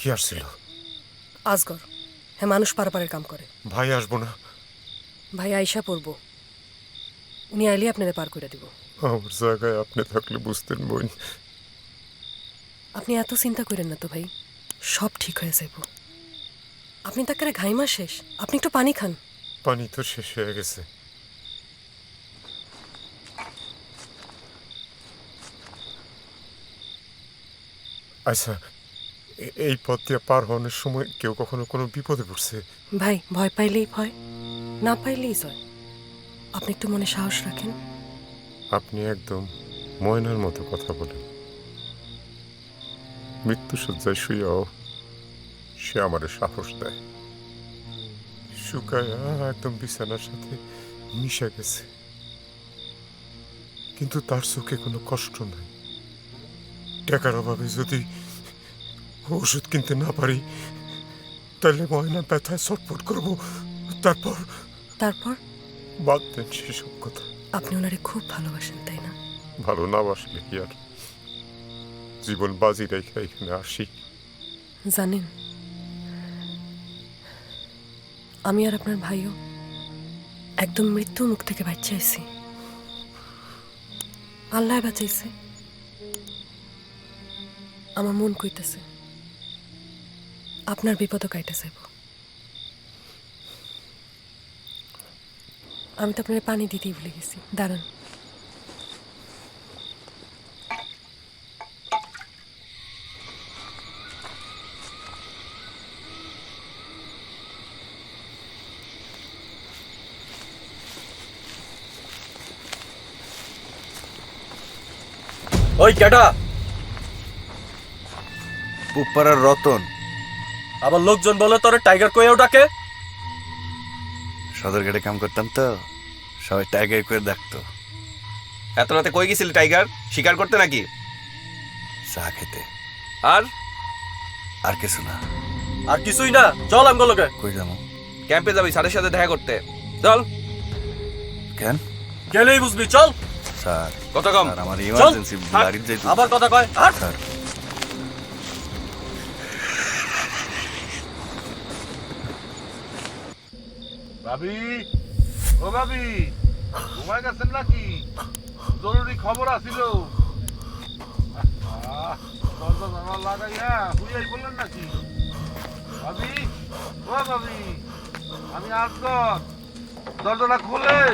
কি আসছিল? আজগর। হ্যাঁ, মানুষ পারাপারের কাম করে। ভাই আসবো না? ভাই আইসা পড়বো। উনি আইলে আপনাদের পার করে দিব। আমার জায়গায় আপনি থাকলে বুঝতেন বোন। আপনি এত চিন্তা করেন না তো ভাই, সব ঠিক হয়ে যাইব। আপনি তাকে ঘাইমা শেষ, আপনি একটু পানি খান। পানি তো শেষ হয়ে গেছে। আচ্ছা, এই পথ দিয়ে পার হওয়ার সময় কেউ কখনো কোনো বিপদে পড়ছে? ভাই, ভয় পাইলেই ভয়, না পাইলেই জয়। আপনি একটু মনে সাহস রাখেন। আপনি একদম ময়নার মতো কথা বলেন। মৃত্যুসজ্জায় শুয়েও সে আমারে সাহস দেয়। শুকায়া একদম বিছানার সাথে মিশে গেছে, কিন্তু তার চোখে কোনো কষ্ট নাই। টাকার অভাবে যদি ওষুধ কিনতে না পারি, তাহলে ময়না ব্যথায় ছটফট করব। তারপর তারপর বাদ দেন সেসব কথা। আপনি ওনারে খুব ভালোবাসেন, তাই না? ভালো না বাসলে কি আর জীবন বাজি রেখে এখানে আসি? জানেন, আমি আর আপনার ভাইও একদম মৃত্যু মুখ থেকে বাঁচাইছি। আল্লাহ বাঁচাইছে। আমার মন কইতেছে আপনার বিপদও কাইতে যাইব। আমি তো আপনার পানি দিতেই ভুলে গেছি, দাঁড়ান। ওই কেডা? পুপাড়ার রতন। আবার লোকজন বলে তোরে টাইগার কইয়াও ডাকে। সদরঘাটে কাম করতাম তো, সবাই টাইগার করে ডাকতো। এত রাতে কই গেছিলি টাইগার? শিকার করতে নাকি? চা খেতে। আর আর কিছু না। আর কিছুই না, চল আমগুলোকে। কই যাবো? ক্যাম্পে যাবি স্যারের সাথে দেখা করতে। চল। কেন? গেলেই বুঝবি, চল। স্যার, কত কম? স্যার, আমার চল। ইমার্জেন্সি হাট। বাড়ির যাইতে। আবার কথা কয়, হাট। স্যার, ভাবি, ও ভাবি, ঘুমাই গেছেন নাকি? জরুরি খবর আছিল। দরজা জানালা লাগাইয়া হুইয়াই বললেন নাকি? ভাবি, ও ভাবি, আমি আসগর, দরজাটা খোলেন।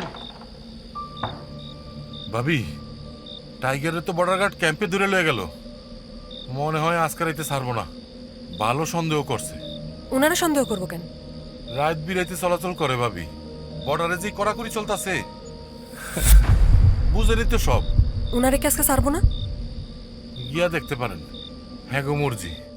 ভাবি, টাইগারে তো বর্ডার গার্ড ক্যাম্পে দূরে লয়ে গেল। মনে হয় আজকাল এতে ছাড়বো না। ভালো সন্দেহ করছে। ওনারা সন্দেহ করবো কেন? রাত বিরাইতে চলাচল করে ভাবি। বর্ডারে যে কড়াকড়ি চলতেছে, বুঝেনি তো সব। ওনারে কি আজকে ছাড়বো না? গিয়া দেখতে পারেন। হ্যাঁ গো মর্জি।